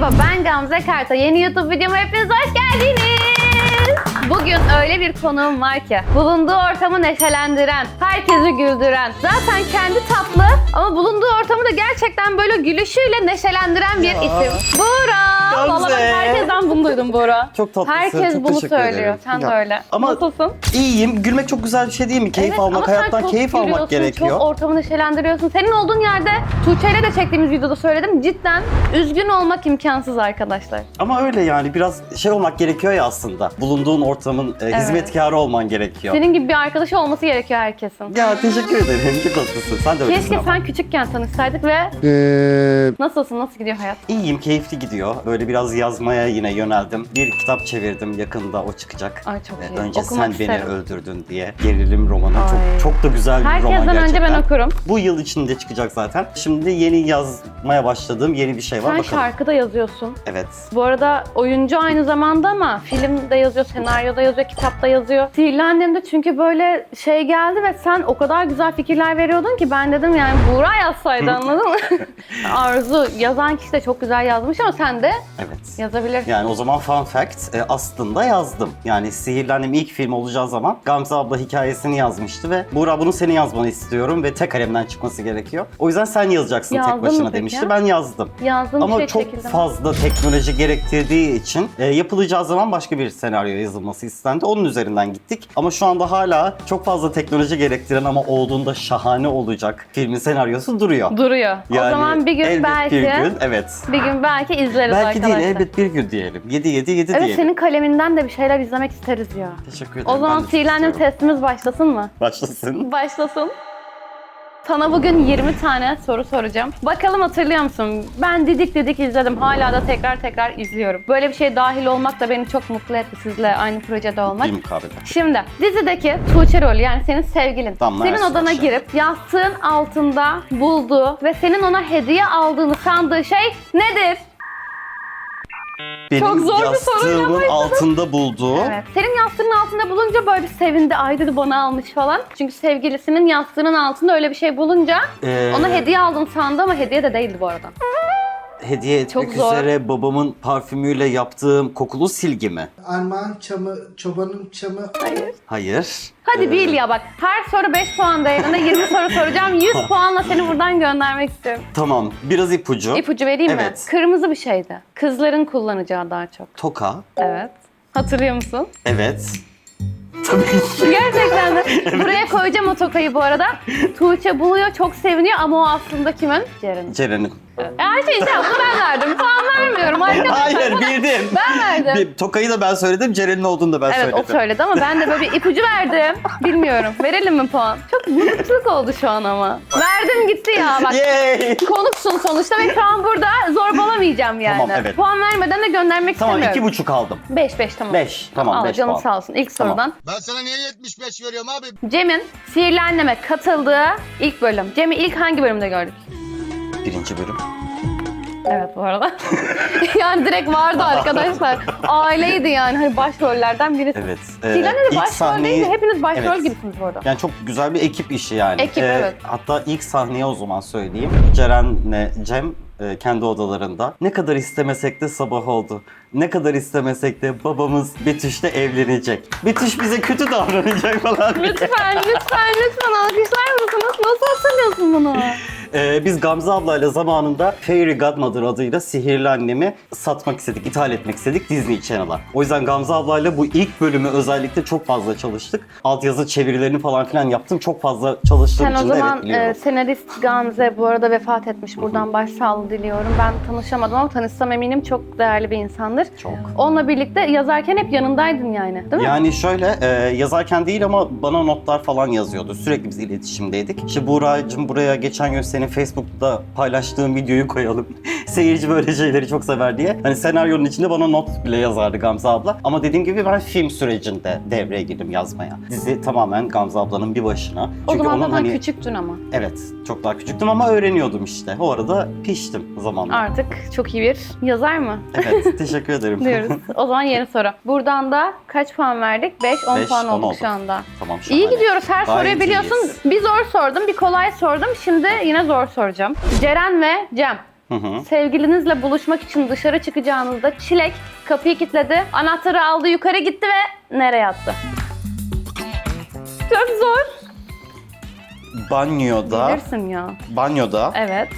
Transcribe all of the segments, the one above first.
Merhaba, ben Gamze Karta. Yeni YouTube videoma hepiniz hoş geldiniz. Bugün öyle bir konuğum var ki, bulunduğu ortamı neşelendiren, herkesi güldüren, zaten kendi tatlı ama bulunduğu ortamı da gerçekten böyle gülüşüyle neşelendiren bir isim. Buğra! Gamze! Vallahi ben herkesten bunu duydum Buğra. Çok tatlısın. Herkes çok bunu teşekkür söylüyor. ederim. Sen de Ya, öyle. Ama Nasılsın? iyiyim. Gülmek çok güzel bir şey değil mi? Keyif Evet, almak, ama sen hayattan çok keyif almak gülüyorsun, gerekiyor. Çok ortamı neşelendiriyorsun. Senin olduğun yerde Tuğçe ile de çektiğimiz videoda söyledim. Cidden üzgün olmak imkansız arkadaşlar. Ama öyle yani biraz şey olmak gerekiyor ya aslında. Bulunduğun ortamın hizmetkarı olman gerekiyor. Senin gibi bir arkadaşı olması gerekiyor herkesin. Ya teşekkür ederim. Çok tatlısın. Sen de öylesin Keşke ama. sen küçükken tanışsaydık ve nasılsın? Nasıl gidiyor hayat? İyiyim, keyifli gidiyor. Böyle biraz yazmaya yine yöneldim. Bir kitap çevirdim. Yakında o çıkacak. Ay çok iyi. Önce Okumak sen isterim. beni öldürdün diye. Gerilim romanı. Ay. Çok da güzel bir roman Herkesten gerçekten. önce ben okurum. Bu yıl içinde çıkacak zaten. Şimdi yeni yazmaya başladığım yeni bir şey var. Sen Bakalım. şarkı da yazıyorsun. Evet. Bu arada oyuncu aynı zamanda ama film de yazıyor, senaryo da yazıyor, kitap da yazıyor. Sihirli Annem'de çünkü böyle şey geldi ve sen o kadar güzel fikirler veriyordun ki ben dedim yani Buğra yazsaydı anladın mı? Arzu yazan kişi de çok güzel yazmış ama sen de Evet. yazabilirsin. Yani o zaman fun fact, aslında yazdım. Yani Sihirli Annem ilk film olacağı zaman Gamze abla hikayesini yazmıştı ve Buğra bunu senin yazmanı istiyorum ve tek kalemden çıkması gerekiyor. O yüzden sen yazacaksın Yazdın tek mı başına peki? demişti. Ben yazdım. Yazdığın Ama şey çok çekildi. fazla teknoloji gerektirdiği için yapılacağı zaman başka bir senaryo yazılması istendi. Onun üzerinden gittik. Ama şu anda hala çok fazla teknoloji gerektiren ama olduğunda şahane olacak filmin senaryosu duruyor. Duruyor. O Yani zaman bir gün elbet belki bir gün, evet. bir gün belki izleriz Belki arkadaşlar. değil, elbet bir gün diyelim. 7 Evet, diyelim. senin kaleminden de bir şeyler izlemek isteriz ya. Teşekkür ederim. O zaman ben de çok Sihirli Annem istiyorum. testimiz başlasın mı? Başlasın. Başlasın. Sana bugün 20 tane soru soracağım. Bakalım hatırlıyor musun? Ben didik izledim. Hala da tekrar izliyorum. Böyle bir şeye dahil olmak da beni çok mutlu etti sizle aynı projede olmak. Bir mukabele. Şimdi dizideki Tuğçe rolü yani senin sevgilin. Damla senin Ersoy odana aşağı. girip yastığın altında bulduğu ve senin ona hediye aldığını sandığı şey nedir? Benim Çok zor bir soruyla yastığımın başladım. altında bulduğu Evet. Senin yastığının altında bulunca böyle bir sevindi. Ay dedi bana almış falan. Çünkü sevgilisinin yastığının altında öyle bir şey bulunca ona hediye aldım sandı ama hediye de değildi bu arada. hediye etmek Çok zor. üzere babamın parfümüyle yaptığım kokulu silgi mi? Armağan çamı, çobanın çamı. Hayır. Hayır. Hadi bil ya bak. Her soru 5 puan değerinde 20 soru soracağım. 100 puanla seni buradan göndermek istiyorum. Tamam. Biraz ipucu. İpucu vereyim mi? Evet. Kırmızı bir şeydi. Kızların kullanacağı daha çok. Toka. Evet. Hatırlıyor musun? Evet. Tabii ki. Gerçekten de. Buraya koyacağım o tokayı bu arada. Tuğçe buluyor, çok seviniyor ama o aslında kimin? Ceren'in. Ceren'in. Her şeyin cevabını ben verdim. Puan vermiyorum arkadaşlar. Hayır bildim. Ben verdim. Tokayı da ben söyledim, Ceren'in olduğunu da ben Evet söyledim. o söyledi ama ben de böyle bir ipucu verdim. Bilmiyorum. Verelim mi puan? Çok mutluluk oldu şu an ama. Verdim gitti ya bak. Yay! Konuksun sonuçta ve şu an burada zorbalamayacağım yani. Tamam, evet. Puan vermeden de göndermek Tamam, istemiyorum. 2,5 aldım. 5 tamam. 5, tamam, Al 5 canım puan. sağ olsun. İlk Tamam. sorudan. Ben sana niye 75 veriyorum abi? Cem'in Sihirli Annem'e katıldığı ilk bölüm. Cem'i ilk hangi bölümde gördük? 1. bölüm. Evet bu arada. Yani direkt vardı arkadaşlar. Aileydi yani. Hani başrollerden birisi. Evet. Sihirli Annem'de ilk başrol değil de hepiniz başrol Evet. gibisiniz bu arada. Yani çok güzel bir ekip işi yani. Ekip, evet. Hatta ilk sahneye o zaman söyleyeyim. Ceren'le Cem kendi odalarında. Ne kadar istemesek de sabah oldu. Ne kadar istemesek de babamız Betüş'le evlenecek. Betüş bize kötü davranacak falan. Lütfen alkışlar mısınız? Nasıl hatırlıyorsun bunu? Biz Gamze ablayla zamanında Fairy Godmother adıyla Sihirli Annem'i satmak istedik, ithal etmek istedik Disney Channel'a. O yüzden Gamze ablayla bu ilk bölümü özellikle çok fazla çalıştık. Altyazı çevirilerini falan filan yaptım. Çok fazla çalıştığım Sen o için de zaman evet biliyorum. senarist Gamze bu arada vefat etmiş. Buradan başsağlığı diliyorum. Ben tanışamadım ama tanışsam eminim çok değerli bir insandır. Çok. Onunla birlikte yazarken hep yanındaydın yani değil mi? Yani şöyle yazarken değil ama bana notlar falan yazıyordu. Sürekli biz iletişimdeydik. İşte Buğra'cığım buraya geçen gün senin Facebook'ta paylaştığın videoyu koyalım. Seyirci böyle şeyleri çok sever diye. Hani senaryonun içinde bana not bile yazardı Gamze abla. Ama dediğim gibi ben film sürecinde devreye girdim yazmaya. Dizi tamamen Gamze ablanın bir başına. O zaman onun zaten küçüktün ama. Evet, çok daha küçüktüm ama öğreniyordum işte. O arada piştim zamanla. Artık çok iyi bir yazar mı? Evet, teşekkür ederim. Diyoruz. O zaman yeni soru. Buradan da kaç puan verdik? 5, 10 Beş, puan 10 olduk oldu. şu anda. Tamam, şahane. İyi gidiyoruz. Her Gayet soruyu biliyorsun. iyiyiz. Bir zor sordum, bir kolay sordum. Şimdi yine zor soracağım. Ceren ve Cem Sevgilinizle buluşmak için dışarı çıkacağınızda Çilek kapıyı kilitledi, anahtarı aldı, yukarı gitti ve nereye attı? Çok zor. Banyoda, Bilirsin ya. Evet.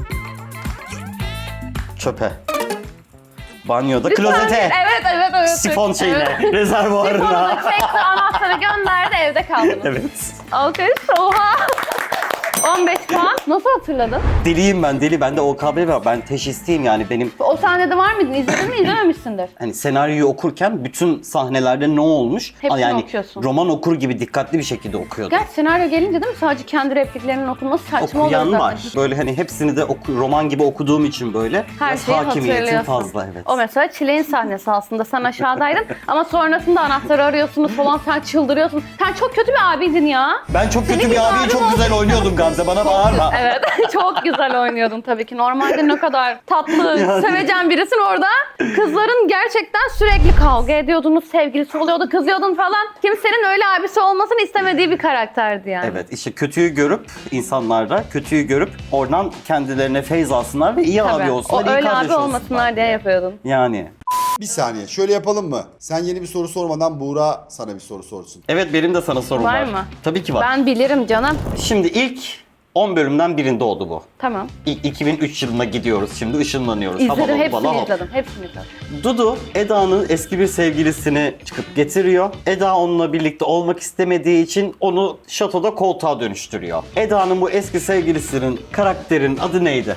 çöpe. Banyoda, Bir klozete. saniye. Evet. Sifon şeyine, Evet. rezervuarına. Sifonu çekti, anahtarı gönderdi, evde kaldınız. Evet. Alkış, oha. 15 puan. Nasıl hatırladın? Deliyim ben, deli. Bende OKB var. Ben teşhisteyim yani. Benim O sahnede var mıydın? İzledin mi? İzlememişsindir. hani senaryoyu okurken bütün sahnelerde ne olmuş? Hepsini yani okuyorsun. roman okur gibi dikkatli bir şekilde okuyordum. Gerçi senaryo gelince değil mi? Sadece kendi repliklerinin okunması saçma oluyor Okuyan zaten. var. Böyle hani hepsini de roman gibi okuduğum için böyle Her biraz şeyi hakimiyetim hatırlıyorsun. fazla, evet. O mesela Çileğin sahnesi aslında. Sen aşağıdaydın ama sonrasında anahtarı arıyorsunuz falan, sen çıldırıyorsun. Sen çok kötü bir abiydin ya. Ben çok kötü Senin bir gibi abiyi abim çok güzel oynuyordum Gamze. Bana bağırma. Evet, çok güzel oynuyordun tabii ki. Normalde ne kadar tatlı, Yani. sevecen birisin orada. Kızların gerçekten sürekli kavga ediyordunuz, sevgilisi oluyordu, kızıyordun falan. Kimsenin öyle abisi olmasını istemediği bir karakterdi yani. Evet, işte kötüyü görüp insanlarda kötüyü görüp oradan kendilerine feyz alsınlar ve iyi Tabii. abi olsunlar, O iyi öyle kardeş abi olmasınlar diye yapıyordun. Yani. Bir saniye şöyle yapalım mı? Sen yeni bir soru sormadan Buğra sana bir soru sorsun. Evet, benim de sana sorum var. Var mı? Tabii ki var. Ben bilirim canım. Şimdi ilk 10 bölümden birinde oldu bu. Tamam. İlk 2003 yılına gidiyoruz şimdi, ışınlanıyoruz. İzledim, Havalı hepsini havalı hop. izledim. Hepsini izledim. Dudu, Eda'nın eski bir sevgilisini çıkıp getiriyor. Eda onunla birlikte olmak istemediği için onu şatoda koltuğa dönüştürüyor. Eda'nın bu eski sevgilisinin karakterin adı neydi?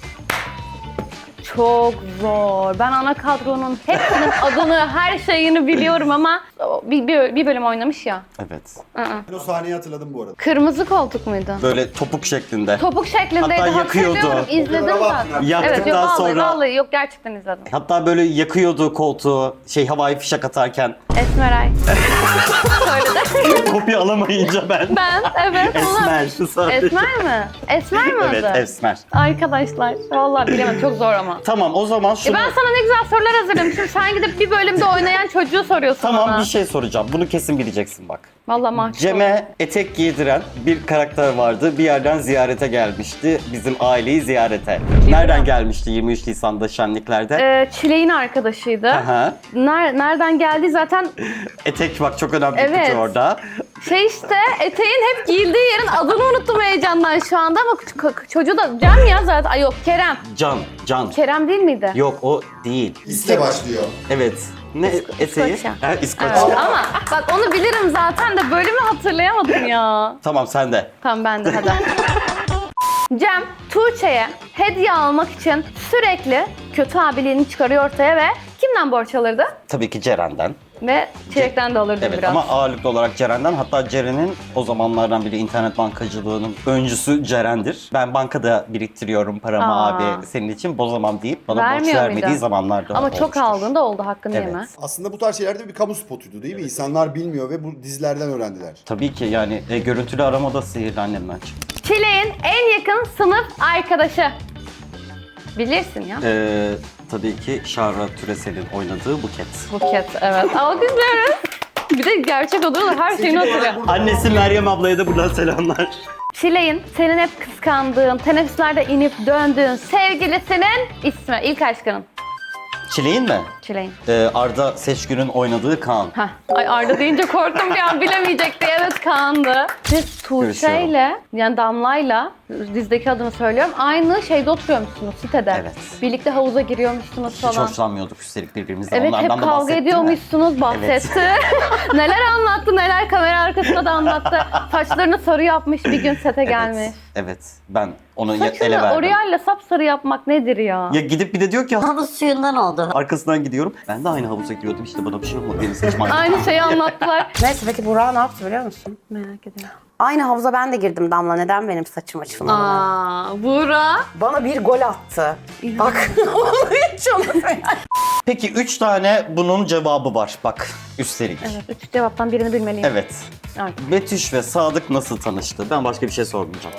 Çok zor. Ben ana kadronun hepsinin adını, her şeyini biliyorum ama bir bölüm oynamış ya. Evet. Ben o sahneyi hatırladım bu arada. Kırmızı koltuk muydu? Böyle topuk şeklinde. Topuk şeklindeydi, Hatta yakıyordu. hatırlıyorum. İzledim O kadar zaten. abartma. Yaktıktan Evet, yok, vallahi, sonra- vallahi yok, gerçekten izledim. Hatta böyle yakıyordu koltuğu, havai fişek atarken. Esmeray. Söyledi. Kopya alamayınca ben. Evet. ona- Esmer sadece. Esmer mi? Esmer mi Evet, adı? Esmer. Arkadaşlar, vallahi bilemedim, çok zor ama. Tamam, o zaman şunu... Ben sana ne güzel sorular hazırlamışım. Sen gidip bir bölümde oynayan çocuğu soruyorsun Tamam, bana. bir şey soracağım. Bunu kesin bileceksin bak. Vallahi mahcup oldum. Cem'e etek giydiren bir karakter vardı. Bir yerden ziyarete gelmişti. Bizim aileyi ziyarete. Nereden gelmişti 23 Nisan'da şenliklerde? Çileğin arkadaşıydı. Aha. Nereden geldi zaten Etek bak, çok önemli bir Evet. kutu orada. işte eteğin hep giyildiği yerin adını unuttum heyecandan şu anda ama çocuğu da Cem ya zaten. Ay yok, Kerem. Can. Kerem değil miydi? Yok, o değil. İste başlıyor. Evet. Ne eteği? İskoçya. Ha, İskoçya. Evet, ama bak onu bilirim zaten de bölümü hatırlayamadım ya. Tamam, sen de. Tamam, ben de hadi. Cem, Tuğçe'ye hediye almak için sürekli kötü abiliğini çıkarıyor ortaya ve kimden borç alırdı? Tabii ki Ceren'den. Ve Çilek'ten de alırdı Evet, biraz. ama ağırlıklı olarak Ceren'den. Hatta Ceren'in o zamanlardan biri internet bankacılığının öncüsü Ceren'dir. Ben bankada biriktiriyorum paramı Aa. abi senin için bozamam deyip bana borç Vermiyor vermediği muydu? zamanlarda Ama çok olmuştur. aldığında oldu, hakkını Evet. yeme. Aslında bu tarz şeylerde bir kamu spotuydu değil mi? İnsanlar bilmiyor ve bu dizilerden öğrendiler. Tabii ki yani görüntülü aramada sihirli annemden çıktı. Çilek'in en yakın sınıf arkadaşı. Bilirsin ya. Tabii ki Şahra Türesel'in oynadığı Buket. Buket, evet. Alkışlıyoruz. Bir de gerçek oluyor, her şeyini hatırlıyor. Annesi Meryem ablaya da buradan selamlar. Çilek'in senin hep kıskandığın, teneffüslerde inip döndüğün sevgilisinin ismi, ilk aşkının. Çileğin mi? Çilek'in. Arda Seçgün'ün oynadığı Kaan. Heh. Ay Arda deyince korktum bir an, bilemeyecek diye. Evet, Kaan'dı. Siz Tuğçe'yle, yani Damla'yla, dizdeki adını söylüyorum, aynı şeyde oturuyormuşsunuz, sitede. Evet. Birlikte havuza giriyormuşsunuz Hiç falan. hoşlanmıyorduk üstelik birbirimizden. Evet, Onlardan hep da kavga bahsetti mi? ediyormuşsunuz, bahsetti. Neler anlattı, neler kamera arkasında da anlattı. Saçlarını sarı yapmış, bir gün sete gelmiş. Evet, ben onu ele Saçını verdim. Oriel'le sapsarı yapmak nedir ya? Ya gidip bir de diyor ki Havuz suyundan oldu. arkasından gidiyorum. Ben de aynı havuza giriyordum, işte bana bir şey olmadı, benim saçım aynı. Aynı şeyi anlattılar. Neyse, peki Burak ne yaptı biliyor musun? Merak ediyorum. Aynı havuza ben de girdim Damla. Neden benim saçım açılmadı? Buğra. Bana bir gol attı. Bak onu hiç unutmayın. Peki 3 tane bunun cevabı var bak üstelik. Evet, üç cevaptan birini bilmeliyim. Evet. Evet. Betüş ve Sadık nasıl tanıştı? Ben başka bir şey sormayacağım.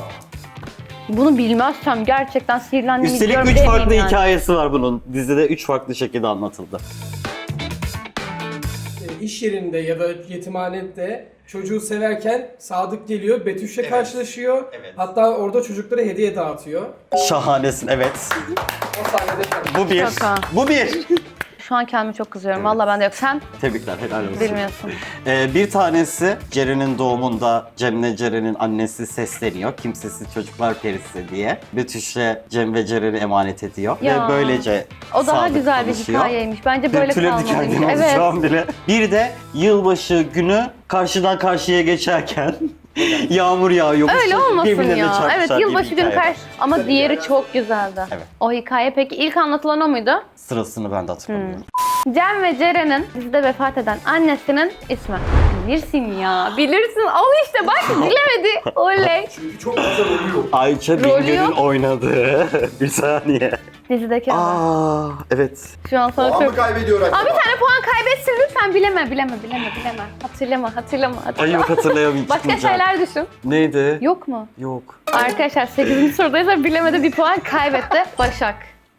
Bunu bilmezsem gerçekten sihirlendim. Üstelik 3 farklı hikayesi var bunun. Dizide 3 farklı şekilde anlatıldı. iş yerinde ya da yetimhanede çocuğu severken Sadık geliyor, Betüş'le karşılaşıyor. Evet. Hatta orada çocuklara hediye dağıtıyor. Şahanesin, evet. O sahnede Bu bir. Şaka. Bu bir. Şu an kendime çok kızıyorum. Vallahi ben de yok. Sen Tebrikler, helal olsun. bilmiyorsun. Bir tanesi Ceren'in doğumunda Cem'le Ceren'in annesi sesleniyor. Kimsesiz çocuklar perisi diye. Betüş'e Cem ve Ceren'i emanet ediyor. Ya. Ve böylece O daha Sadık güzel bir tanışıyor. hikayeymiş. Bence böyle Tüylerim diken kalmalıymış. diken oldu Evet. şu an bile. Bir de yılbaşı günü karşıdan karşıya geçerken yağmur yağıyor. Öyle olmasın Birbirlerine ya. çarpışar Evet, diye bir yılbaşı günü hikaye var. karşı. Ama diğeri çok güzeldi. Evet. O hikaye peki ilk anlatılan o muydu? Sırasını ben de hatırlamıyorum. Cem ve Ceren'in dizide vefat eden annesinin ismi. Bilirsin ya. Bilirsin. Al işte bak bilemedi. Oley. Çünkü çok güzel oluyor. Ayça Rolü Bingöl'ün yok. oynadığı. Bir saniye. Dizideki adı. Aa, evet. Şu an sana Puan mı çok... kaybediyor acaba? Aa, bir tane puan kaybetsin lütfen. Bileme. Hatırlama. Ay yok, hatırlayamayacağım. Başka şeyler düşün. Neydi? Yok mu? Yok. Arkadaşlar 8. sorudaysa bilemedi, bir puan kaybetti. Başak.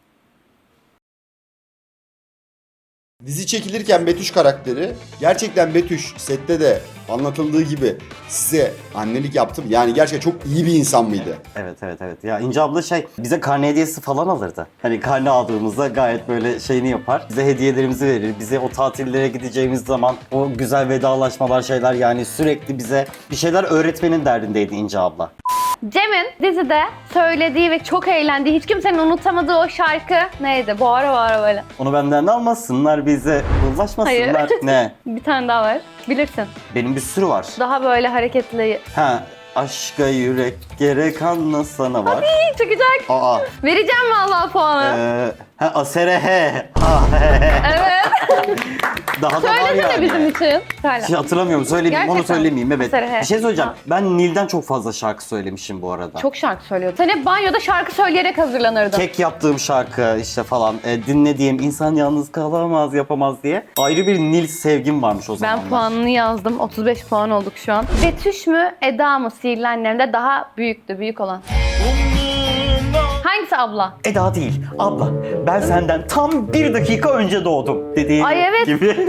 Dizi çekilirken Betüş karakteri, gerçekten Betüş sette de anlatıldığı gibi size annelik yaptım. Yani gerçekten çok iyi bir insan mıydı? Evet. Ya İnce abla bize karne hediyesi falan alırdı. Hani karne aldığımızda gayet böyle şeyini yapar. Bize hediyelerimizi verir. Bize o tatillere gideceğimiz zaman o güzel vedalaşmalar şeyler, yani sürekli bize bir şeyler öğretmenin derdindeydi İnce abla. Cem'in dizide söylediği ve çok eğlendiği, hiç kimsenin unutamadığı o şarkı neydi? Bağıra böyle. Onu benden almasınlar, bize ulaşmasınlar. Hayır. Ne? Bir tane daha var. Bilirsin. Benim bir sürü var. Daha böyle hareketli. Ha, aşka yürek gerek anlasana var. İyi çıkacak. Aa. Vereceğim vallahi puanı. Asere he. Ha, he. Evet. Daha da var Söylesene yani. bizim için. Söyle. Hatırlamıyorum, söylemeyeyim, onu Gerçekten. söylemeyeyim, evet. Asere he. Bir şey söyleyeceğim. Ha. Ben Nil'den çok fazla şarkı söylemişim bu arada. Çok şarkı söylüyordu. Sen hep banyoda şarkı söyleyerek hazırlanırdın. Kek yaptığım şarkı işte falan, dinlediğim insan yalnız kalamaz yapamaz diye. Ayrı bir Nil sevgim varmış o zamanlar. Ben puanını yazdım. 35 puan olduk şu an. Betüş mü, Eda mı Sihirli Annem'de daha büyük olan? Hangisi abla? Eda değil, abla. Ben senden tam 1 dakika önce doğdum dediği Ay, evet. gibi.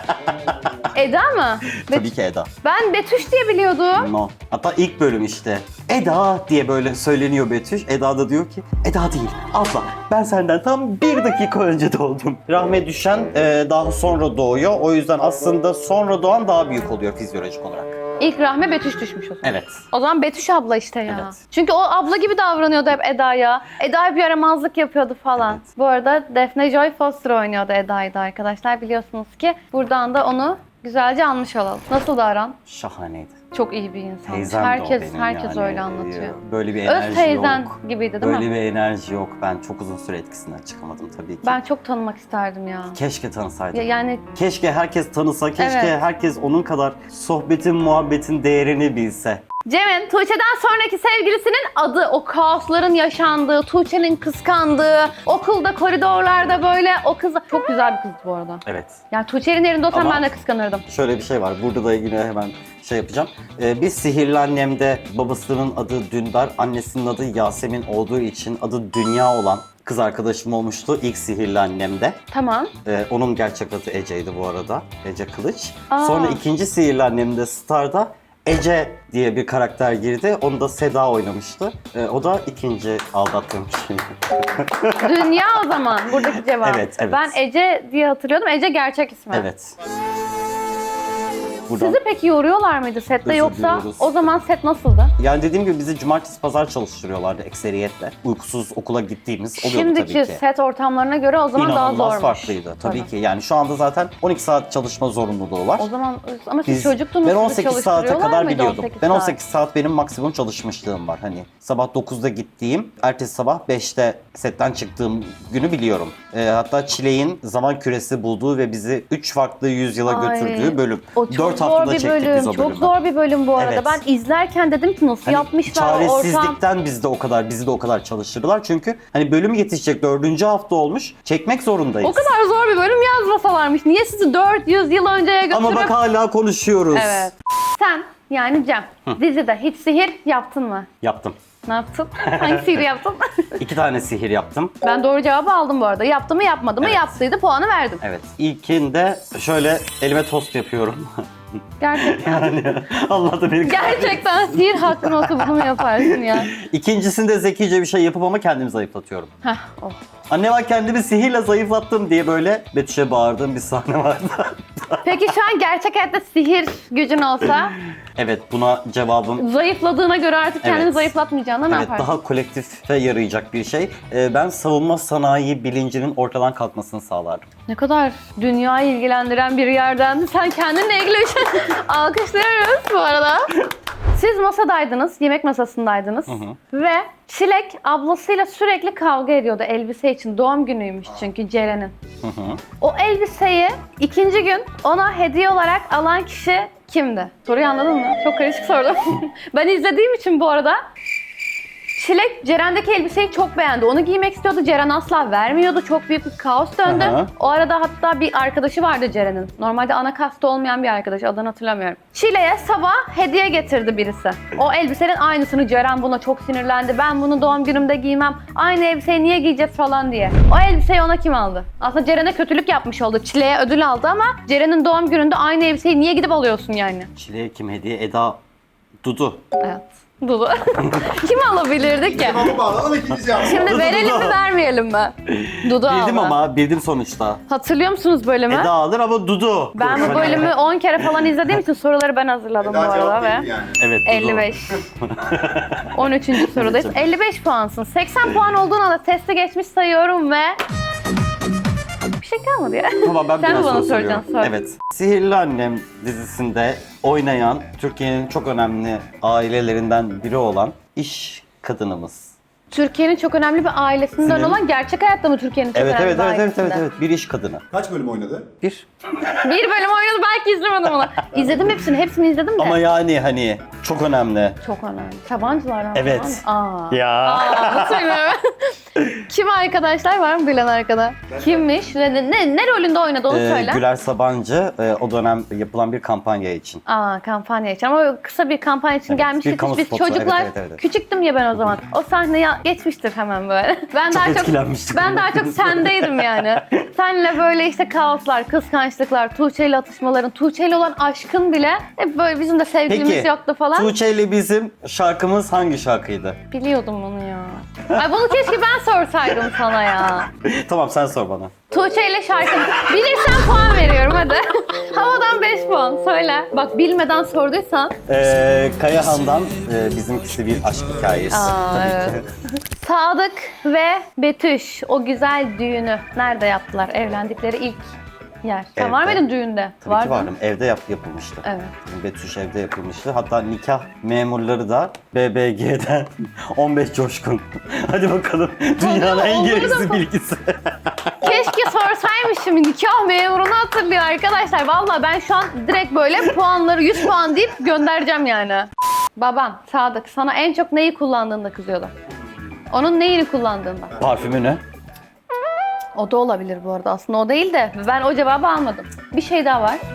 Eda mı? Tabii ki Eda. Ben Betüş diye biliyordum. No. Hatta ilk bölüm işte. Eda diye böyle söyleniyor Betüş. Eda da diyor ki Eda değil, abla. Ben senden tam 1 dakika önce doğdum. Rahme düşen daha sonra doğuyor. O yüzden aslında sonra doğan daha büyük oluyor fizyolojik olarak. İlk Rahme Betüş düşmüş o zaman. Evet. O zaman Betüş abla işte ya. Evet. Çünkü o abla gibi davranıyordu hep Eda'ya. Eda bir yaramazlık yapıyordu falan. Evet. Bu arada Daphne Joy Foster oynuyordu Eda'yı da arkadaşlar. Biliyorsunuz ki buradan da onu güzelce anmış olalım. Nasıl da aran? Şahaneydi. Çok iyi bir insan. Teyzem de o Herkes benim yani. öyle anlatıyor. Böyle bir Öz enerji teyzen yok. gibiydi değil Böyle mi? bir enerji yok. Ben çok uzun süre etkisinden çıkamadım tabii ki. Ben çok tanımak isterdim ya. Keşke tanısaydım. Yani Keşke herkes tanısa, keşke Evet. herkes onun kadar sohbetin, muhabbetin değerini bilse. Cem'in Tuğçe'den sonraki sevgilisinin adı, o kaosların yaşandığı, Tuğçe'nin kıskandığı, okulda koridorlarda böyle o kız çok güzel bir kızdı bu arada. Evet. Yani Tuğçe'nin yerinde olsam Ama- ben de kıskanırdım. Şöyle bir şey var. Burada da yine hemen şey yapacağım. Bir Sihirli Annem'de babasının adı Dündar, annesinin adı Yasemin olduğu için adı Dünya olan kız arkadaşım olmuştu ilk Sihirli Annem'de. Tamam. Onun gerçek adı Ece'ydi bu arada. Ece Kılıç. Aa. Sonra ikinci Sihirli Annem'de Star'da Ece diye bir karakter girdi. Onu da Seda oynamıştı. O da ikinci aldattığım şey. Dünya o zaman buradaki cevap. Evet. Ben Ece diye hatırlıyordum. Ece gerçek ismi. Evet. Buradan... Sizi peki yoruyorlar mıydı sette Özür yoksa diliyoruz. o zaman set nasıldı? Yani dediğim gibi bizi cumartesi pazar çalıştırıyorlardı ekseriyetle. Uykusuz okula gittiğimiz oluyordu Şimdiki tabii ki. set ortamlarına göre o zaman daha İnanılmaz zormuş. farklıydı tabii ki. Yani şu anda zaten 12 saat çalışma zorunluluğu var. O zaman ama siz Biz- çocuktunuz. Ben sizi 18 saate çalıştırıyorlar kadar mıydı biliyordum. 18 Ben saat? 18 saat benim maksimum çalışmışlığım var. Hani sabah 9'da gittiğim, ertesi sabah 5'te setten çıktığım günü biliyorum. Hatta Çilek'in zaman küresi bulduğu ve bizi 3 farklı yüzyıla Ay, götürdüğü bölüm. O çok 4 zor haftada bir çektik bölüm. biz o bölümü. Çok zor bir bölüm bu arada. Evet. Ben izlerken dedim ki nasıl Hani yapmışlar ortam. çaresizlikten bizi de o kadar çalıştırdılar. Çünkü hani bölüm yetişecek 4. hafta olmuş. Çekmek zorundayız. O kadar zor bir bölüm yazmasalarmış. Niye sizi 400 yıl önceye götürüp... Ama bak hala konuşuyoruz. Evet. Sen yani Cem dizide hiç sihir yaptın mı? Yaptım. Ne yaptın? Hangi sihir yaptın? 2 tane sihir yaptım. Ben doğru cevabı aldım bu arada. Yaptı mı yapmadı mı? Evet. Yaptıydı, puanı verdim. Evet. İlkinde şöyle elime tost yapıyorum. Gerçekten. Yani Allah da beni Gerçekten sihir hakkın olsa bunu mu yaparsın ya? İkincisinde zekice bir şey yapıp ama kendimi zayıflatıyorum. Heh, oh. Anne bak kendimi sihirle zayıflattım diye böyle Betüş'e bağırdığım bir sahne vardı. Peki şu an gerçek hayatta sihir gücün olsa Evet, buna cevabım zayıfladığına göre artık kendini Evet. zayıflatmayacağına ne evet yaparsın? daha kolektife yarayacak bir şey. Ben savunma sanayi bilincinin ortadan kalkmasını sağlardım. Ne kadar dünyayı ilgilendiren bir yerden sen kendinle ilgili bir şey alkışlıyoruz bu arada. Siz masadaydınız, yemek masasındaydınız ve Çilek ablasıyla sürekli kavga ediyordu elbise için. Doğum günüymüş çünkü Ceren'in. O elbiseyi ikinci gün ona hediye olarak alan kişi kimdi? Soruyu anladın mı? Çok karışık sordum. Ben izlediğim için bu arada Çilek Ceren'deki elbiseyi çok beğendi. Onu giymek istiyordu. Ceren asla vermiyordu. Çok büyük bir kaos döndü. Aha. O arada hatta bir arkadaşı vardı Ceren'in. Normalde ana kasta olmayan bir arkadaş. Adını hatırlamıyorum. Çilek'e sabah hediye getirdi birisi. O elbisenin aynısını. Ceren buna çok sinirlendi. Ben bunu doğum günümde giymem. Aynı elbiseyi niye giyeceğiz falan diye. O elbiseyi ona kim aldı? Aslında Ceren'e kötülük yapmış oldu. Çilek'e ödül aldı ama Ceren'in doğum gününde aynı elbiseyi niye gidip alıyorsun yani? Çileğe kim hediye? Eda, Dudu. Evet. Dolu. Kim alabilirdi ki? Ama bağlanalım ikinci cevabı. Şimdi verelim mi vermeyelim mi? Dudu Bildim aldı. ama bildim sonuçta. Hatırlıyor musunuz bölümü? Eda alır ama Dudu. Ben bu bölümü 10 kere falan izlediğim için soruları ben hazırladım bu Daha arada cevap ve değil yani. Evet, Dudu. 55. 13. sorudayız. Evet, 55 puansın. 80 puan olduğun anda testi geçmiş sayıyorum ve bir şey kalmadı ya. Tamam, ben Sen bir mi bana soru soracaksın? soruyorum. Sor. Evet. Sihirli Annem dizisinde oynayan Türkiye'nin çok önemli ailelerinden biri olan iş kadınımız. Türkiye'nin çok önemli bir ailesinden Senin- olan gerçek hayatta mı Türkiye'nin çok Evet önemli evet bir evet evet ailesinden? evet bir iş kadını. Kaç bölüm oynadı? Bir. Bir bölüm oynadı belki izlemedim onu. İzledim hepsini izledim de. Ama yani hani çok önemli. Çok önemli. Sabancılardan Evet. falan. Aa. Ya. Aa, nasıl bilmiyorum. Kim arkadaşlar var mı bilen arkada? Kimmiş ve ne rolünde oynadı onu söyle. Güler Sabancı o dönem yapılan bir kampanya için. Aa, kampanya için ama kısa bir kampanya için Evet, gelmiştik. bir kamu Biz spotu. çocuklar Evet, evet, evet. küçüktüm ya ben o zaman. O sahneye geçmiştir hemen böyle. Ben Çok daha çok etkilenmiştik. ben daha çok sendeydim yani. Senle böyle işte kaoslar, kıskançlıklar, Tuğçe ile atışmaların, Tuğçe ile olan aşkın bile hep böyle bizim de sevgilimiz Peki yoktu falan. Tuğçe ile bizim şarkımız hangi şarkıydı? Biliyordum bunu ya. Ay bunu keşke ben sorsaydım sana ya. Tamam sen sor bana. Tuğçe ile şarkı. Bilirsen puan veriyorum hadi. Havadan 5 puan söyle. Bak bilmeden sorduysan. Kayahan'dan bizimkisi bir aşk hikayesi. Aa, Tabii evet. ki. Sadık ve Betüş o güzel düğünü nerede yaptılar? Evlendikleri ilk yer. Sen Evde. var mıydın düğünde? Tabii Vardın. ki vardım. Evde yapılmıştı. Evet. Betüş evde yapılmıştı. Hatta nikah memurları da BBG'den 15 coşkun. Hadi bakalım dünyanın en onları da gereksiz mı- bilgisi. Keşke sorsaymışım nikah memurunu hatırlıyor arkadaşlar. Vallahi ben şu an direkt böyle puanları 100 puan deyip göndereceğim yani. Baban Sadık sana en çok neyi kullandığında kızıyordu? Onun neyini kullandığında? Parfümünü. O da olabilir bu arada. Aslında o değil de ben o cevabı almadım. Bir şey daha var.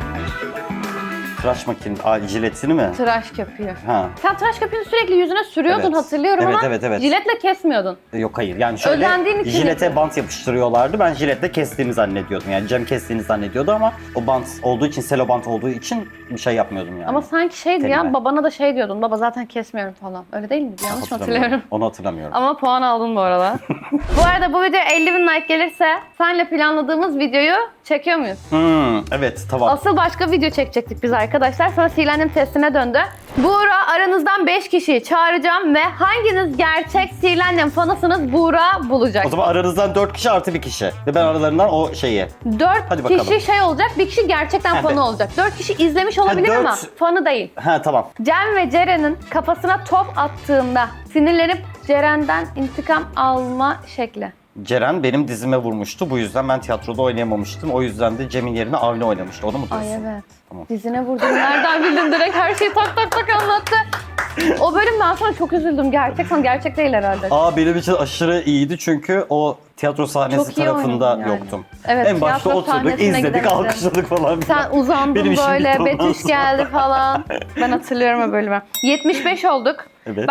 Tıraş makinesi. Jiletini mi? Tıraş köpüğü. Ha. Sen tıraş köpüğünü sürekli yüzüne sürüyordun Evet. hatırlıyorum Evet, ama evet, evet. jiletle kesmiyordun. Yok hayır. Yani şöyle Özendiğin için jilete yapıyor. bant yapıştırıyorlardı. Ben jiletle kestiğini zannediyordum. Yani Cem kestiğini zannediyordu ama o bant olduğu için, selo bant olduğu için bir şey yapmıyordum yani. Ama sanki şeydi Tenime. ya babana da şey diyordun. Baba zaten kesmiyorum falan. Öyle değil miydi? Yanlış mı hatırlıyorum? Onu hatırlamıyorum. Ama puan aldın bu arada. Bu arada bu video 50.000 like gelirse senle planladığımız videoyu çekiyor muyuz? Evet tamam. Asıl başka video çekecektik biz arkadaşlar. Sonra Sihirlendim testine döndü. Buğra aranızdan 5 kişiyi çağıracağım ve hanginiz gerçek Sihirlendim fanısınız Buğra bulacak. O zaman aranızdan 4 kişi artı bir kişi. Ve ben aralarından o şeyi. 4 Hadi bakalım. kişi şey olacak, bir kişi gerçekten Ha, fanı olacak. 4 kişi izlemiş olabilir dört- ama fanı değil. Ha tamam. Cem ve Ceren'in kafasına top attığında sinirlenip Ceren'den intikam alma şekli. Ceren benim dizime vurmuştu. Bu yüzden ben tiyatroda oynayamamıştım. O yüzden de Cem'in yerine Avni oynamıştı. Onu mu diyorsun? Ay evet. Tamam. Dizine vurdum. Nereden bildin direkt her şeyi tak tak tak anlattı. O bölümden sonra çok üzüldüm. Gerçek değil herhalde. Benim için aşırı iyiydi çünkü o tiyatro sahnesi Çok iyi tarafında oynadın yani. yoktum. Evet, en başta tiyatro oturduk, sahnesine izledik, gidemedim. alkışladık falan. Sen uzandın Benim işim böyle, bitti ondan Betüş sonra. geldi falan. Ben hatırlıyorum o bölümü. 75 olduk. Evet. Bak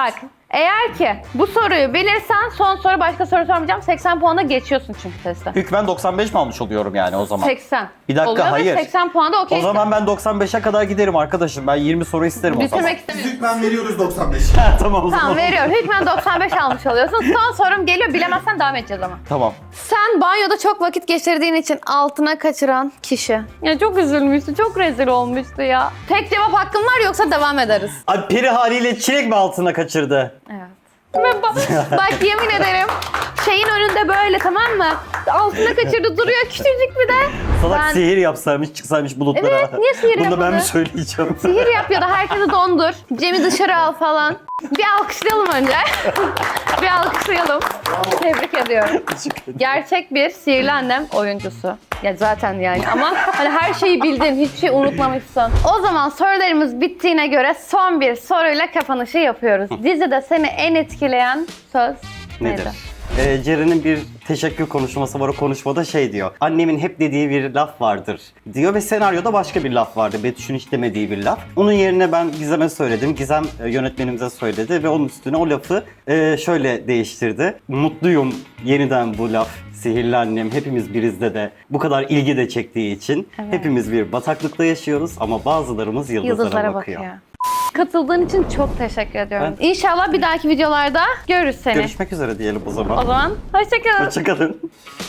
Eğer ki bu soruyu bilirsen son soru başka soru sormayacağım. 80 puana geçiyorsun çünkü testten. Hükmen 95 mi almış oluyorum yani o zaman? 80. Bir dakika, Oluyor ve hayır. 80 puanda okey. O zaman ben 95'e kadar giderim arkadaşım. Ben 20 soru isterim o zaman. Bitirmek istemiyorum. Hükmen veriyoruz 95. Tamam o zaman. Tamam veriyorum. Hükmen 95 almış oluyorsun. Son sorum geliyor. Bilemezsen devam edeceğiz ama. Tamam. Sen banyoda çok vakit geçirdiğin için altına kaçıran kişi. Ya çok üzülmüştü. Çok rezil olmuştu ya. Tek cevap hakkın var yoksa devam ederiz. Abi peri haliyle çilek mi altına kaçırdı? Evet. Ve bak yemin ederim şeyin önünde böyle, tamam mı? Altına kaçırdı duruyor küçücük bir de. Salak Ben- sihir yapsaymış çıksaymış bulutlara. Evet, niye sihir Bunu da ben yapmadı? mi söyleyeceğim? Sihir yapıyor da herkesi dondur. Cem'i dışarı al falan. Bir alkışlayalım önce. Bir alkışlayalım. Tebrik ediyorum. Gerçek bir sihirli annem oyuncusu. Ya zaten yani ama hani her şeyi bildin, hiçbir şey unutmamışsın. O zaman sorularımız bittiğine göre son bir soruyla kapanışı yapıyoruz. Dizide seni en etkileyen söz Nedir? neydi? Ceren'in bir teşekkür konuşması var. O konuşmada şey diyor. Annemin hep dediği bir laf vardır diyor ve senaryoda başka bir laf vardı. Betüş'ün hiç demediği bir laf. Onun yerine ben Gizem'e söyledim. Gizem yönetmenimize söyledi ve onun üstüne o lafı şöyle değiştirdi. Mutluyum yeniden bu laf. Sihirli annem hepimiz birizde de bu kadar ilgi de çektiği için hepimiz bir bataklıkta yaşıyoruz ama bazılarımız yıldızlara bakıyor. Katıldığın için çok teşekkür ediyorum. İnşallah bir dahaki videolarda görürüz seni. Görüşmek üzere diyelim o zaman. O zaman hoşça kalın. Hoşçakalın.